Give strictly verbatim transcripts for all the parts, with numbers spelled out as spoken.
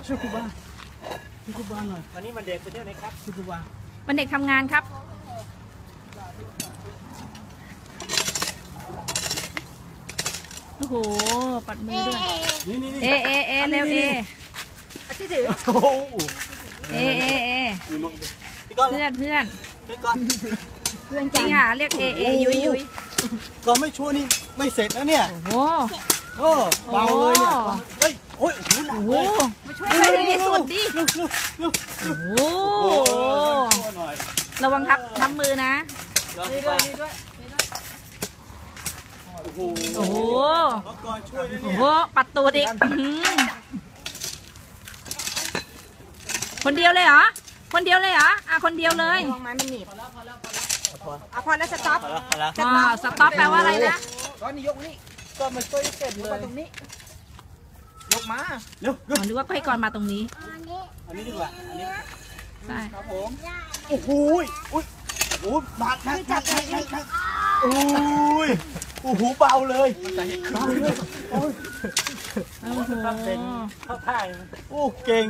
ช่วยครูบาช่วยครูบาหน่อยวันนี้มันเด็กไปเที่ยวไหนครับช่วยครูบาวันเด็กทำงานครับโอ้โหปัดมือด้วยเอเอเอเร็วเอที่ถือเอเอเอเพื่อนเพื่อนเพื่อนจริงค่ะเรียกเอเอยุยยุยก็ไม่ช่วยนี่ไม่เสร็จนะเนี่ยโอ้โอ้เบาเลยเนี่ยเฮ้ยโอ้ยโอ้โหมาช่วยใครในที่สุดดิโอ้โหระวังทับทับมือนะนี่ด้วยนี่ด้วยโอ้โหโอ้โหปัดตัวดิคนเดียวเลยเหรอคนเดียวเลยเหรออ่ะคนเดียวเลยลงมามันหนีบอ่ะพอแล้วสต็อปอ๋อสต็อปแปลว่าอะไรนะก้อนนี้ยกนี่ก็มันช่วยเสร็จเลยตรงนี้ยกมาเร็วอ๋อนึกว่าให้ก่อนมาตรงนี้อันนี้ดีกว่าอันนี้ใช่ครับผมโอ้โหอุ้ยโอ้หนักหนักหนักหนักหนักหนักโอ้ยโอ้โหเบาเลยเบาเลยโอ้ยโอ้โหเข้าท่าโอ้เก่ง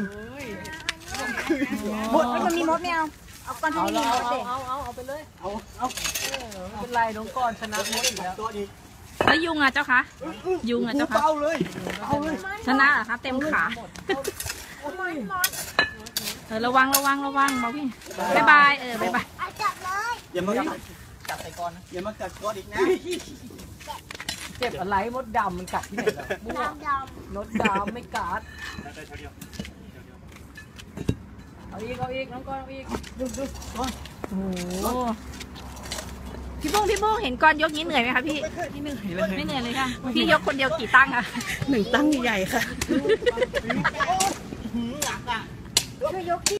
มดมันมีมดไม่เอาเอาก้อนที่มีมดเด็กเอาเอาเอาไปเลยเอาเอาเป็นไรน้องก้อนชนะมดอีกแล้วตัวดีแล้วยุงอ่ะเจ้าคะยุงอ่ะเจ้าคะเบาเลยเบาเลยชนะเหรอคะเต็มขาเออระวังระวังระวังบอกพี่บายบายเออบายบายจับเลยอย่ามาจับใส่ก้อนนะอย่ามากัดก้อนอีกนะเจ็บอะไรมดดำมันกัดที่ไหนล่ะมดดำมดดำไม่กัดเอาอีกเอาอีกน้องก้อนเอาอีกดูดูก้อนโอ้พี่บุ้งพี่บุ้งเห็นก้อนยกนี้เหนื่อยไหมคะพี่ไม่เหนื่อยเลยไม่เหนื่อยเลยค่ะพี่ยกคนเดียวกี่ตั้งอะหนึ่งตั้งใหญ่ค่ะหนักอ่ะช่วยยก